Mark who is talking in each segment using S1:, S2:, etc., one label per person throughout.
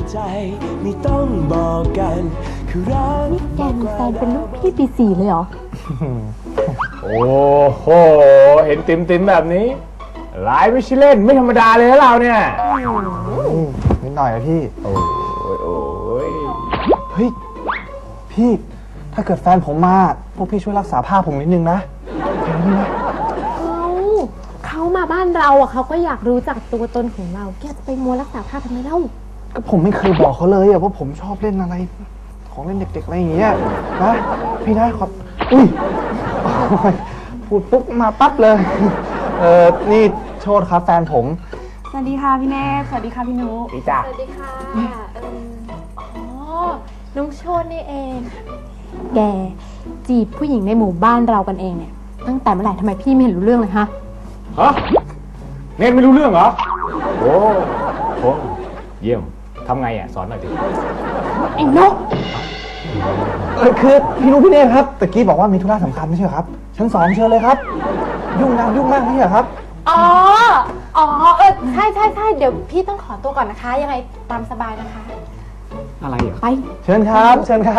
S1: ใจไม่ต้องบอกกันคือรัก
S2: แกมีแฟนเป็นลูกพี่ปี4เลยเหรอ
S3: โอ้โหเห็นติมแบบนี้หลายไม่ใช่เล่นไม่ธรรมดาเลยนะเราเนี่ย
S4: นิดหน่อยอะพี่
S3: โอ้ย
S4: เฮ้ยพี่ถ้าเกิดแฟนผมมาพวกพี่ช่วยรักษาภาพผมนิดนึงนะแค่นี้นะ
S2: เขามาบ้านเราอ่ะเขาก็อยากรู้จักตัวตนของเราแกจะไปมัวรักษาภาพทำไมเล่า
S4: ก็ผมไม่เคยบอกเขาเลยอะว่าผมชอบเล่นอะไรของเล่นเด็กๆอะไรอย่างเงี้ยนะพี่นะขอบอุ้ยพูดปุ๊บมาปั๊บเลยนี่โชติครับแฟนผม
S5: สวัสดีค่ะพี่เนธสวัสดีค่ะพี่นุ๊ก
S3: พี่จ้า
S2: สวัสดีค่ะอ๋อน้องโชตินี่เองแกจีบผู้หญิงในหมู่บ้านเรากันเองเนี่ยตั้งแต่เมื่อไหร่ทำไมพี่ไม่เห็นรู้เรื่องเลยฮะ
S3: เนทไม่รู้เรื่องเหรอโอ้โหเยี่ยมทำไงอ่ะสอนหน่อยดิ
S2: ไอ้นก
S4: คือพี่นุ๊กพี่เนธครับตะกี้บอกว่ามีธุระสำคัญไม่ใช่ครับชั้น2เชิญเลยครับยุ่งมากไม่ใช่ครับ
S2: อ๋อใช่เดี๋ยวพี่ต้องขอตัวก่อนนะคะยังไงตามสบายนะคะ
S3: อะไรอ่ะ
S2: ไป
S4: เชิญครับ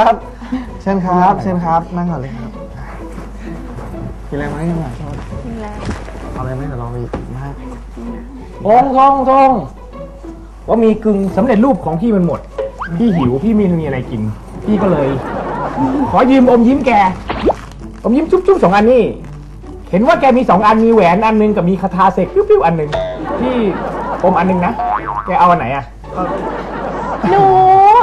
S4: นั่งก่อนเลยครับกินอะไรไหมยังไง
S2: กินแล้ว
S4: เอาอะไรไหมเดี๋ยวลองไปมาก
S3: ทองว่ามีกึ่งสำเร็จรูปของพี่มันหมดพี่หิวพี่ไม่มีอะไรกินพี่ก็เลยขอยืมอมยิ้มแกอมยิ้มจุ๊บ2 อันนี่เห็นว่าแกมี2 อันมีแหวนอันนึงกับมีคาถาเสกปิ้วอันนึงพี่อมอันนึงนะแกเอาอันไหนอ่ะ
S2: หนู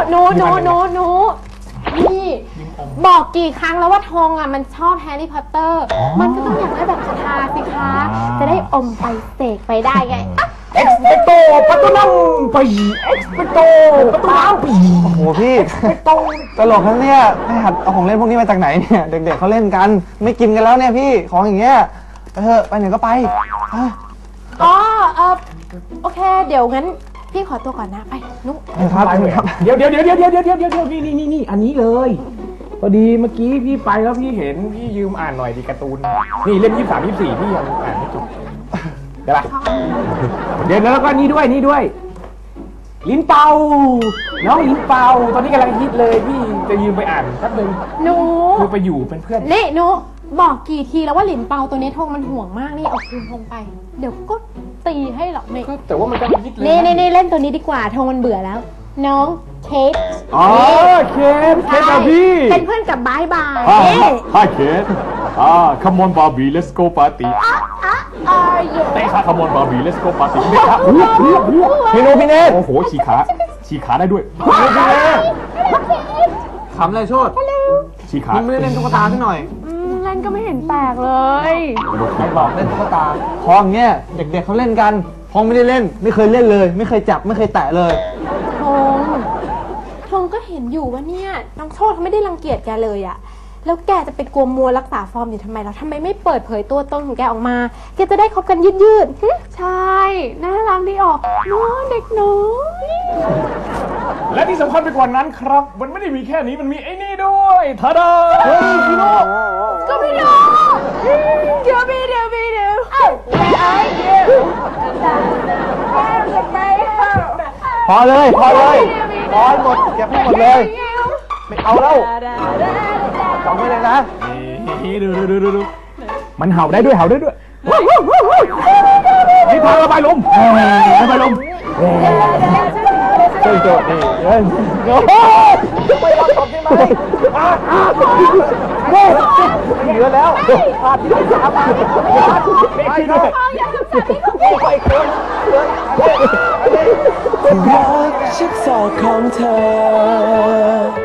S2: นี่บอกกี่ครั้งแล้วว่าทองอ่ะมันชอบแฮร์รี่พอตเตอร์มันก็ต้องอยากได้แบบคาถาสิคะจะได้อมไปเสกไปได้ไง
S3: เอ็กซ์เพโตปัตตุนัมไปเอ็กซ์เพโตปัตตุนัมไป
S4: โอ้โหพี่ตลกทั้งเนี่ยไม่หัดเอาของเล่นพวกนี้มาจากไหนเนี่ยเด็กๆเขาเล่นกันไม่กินกันแล้วเนี่ยพี่ของอย่างเงี้ยไปไหนก็ไป
S2: โอเคเดี๋ยวงั้นพี่ขอตัวก่อนนะไปนุ๊ก
S3: ครับเดี๋ยวนี่อันนี้เลยพอดีเมื่อกี้พี่ไปแล้วพี่เห็นพี่ยืมอ่านหน่อยดิการ์ตูนนี่เล่ม23 24พี่ยังอ่านไม่จบได้ปะเดี๋ยวแล้วก็นี่ด้วยลิ้นเป่าน้องลิ้นเป่าตอนนี้กำลังฮิตเลยพี่จะยืมไปอ่านแป๊บนึง
S2: หนู
S3: คือไปอยู่เป็นเพื่อน
S2: นี่หนูบอกกี่ทีแล้วว่าหลินเปาตัวนี้ทงมันห่วงมากนี่เอาคืนทงไปเดี๋ยวก็ตีให้หรอกนี่
S3: แต่ว่ามันก็ฮิตเลย
S2: นี่เล่นตัวนี้ดีกว่าทงมันเบื่อแล้วน้องเคท
S3: เคทบาร์บี้
S2: เป็นเพื่อนกับบาย
S3: Hi Kate come on Barbie let's go party เตะขา come on Barbie let's go party เตะขา
S4: พี่นุ๊กพี่เนธ
S3: โอ้โหฉีขาได้ด้วย
S4: ขำอะไรโชติ
S3: ฉีขา
S4: ไม่ได้เล่นตุ๊กตาซะหน่อย
S2: เล่นก็ไม่เห็นแปลกเลย
S4: ไม่บอกเล่นตุ๊กตาพองเงี้ยเด็กๆเขาเล่นกันพองไม่ได้เล่นไม่เคยเล่นเลยไม่เคยจับไม่เคยแตะเลย
S2: ทงก็เห็นอยู่ว่าเนี่ยน้องโชติเขาไม่ได้รังเกียจแกเลยอะแล้วแกจะไปกลัวมัวรักษาฟอร์มอยู่ทำไมเราทำไมไม่เปิดเผยตัวตนของแกออกมาแกจะได้คบกันยืดใช่น่ารักดีออกน้องเด็กน้อย
S3: และที่สำคัญไปกว่านั้นครับมันไม่ได้มีแค่นี้มันมีไอ้นี่ด้วยทาดา
S2: พี่โน่ก็พี่โน่เดี๋ยว
S4: พอเลยพอหมดเก็บให้หมดเลยไม่เอาแล้วจำไว้เลยนะ
S3: ดูมันเห่าได้ด้วยนี่พาระบายลม
S4: โจนี่ไม่รอตบได้ไหมเหลือแล้วพาที่ไหนสามไปครับไปคน
S1: รักชิดศอกของเธอ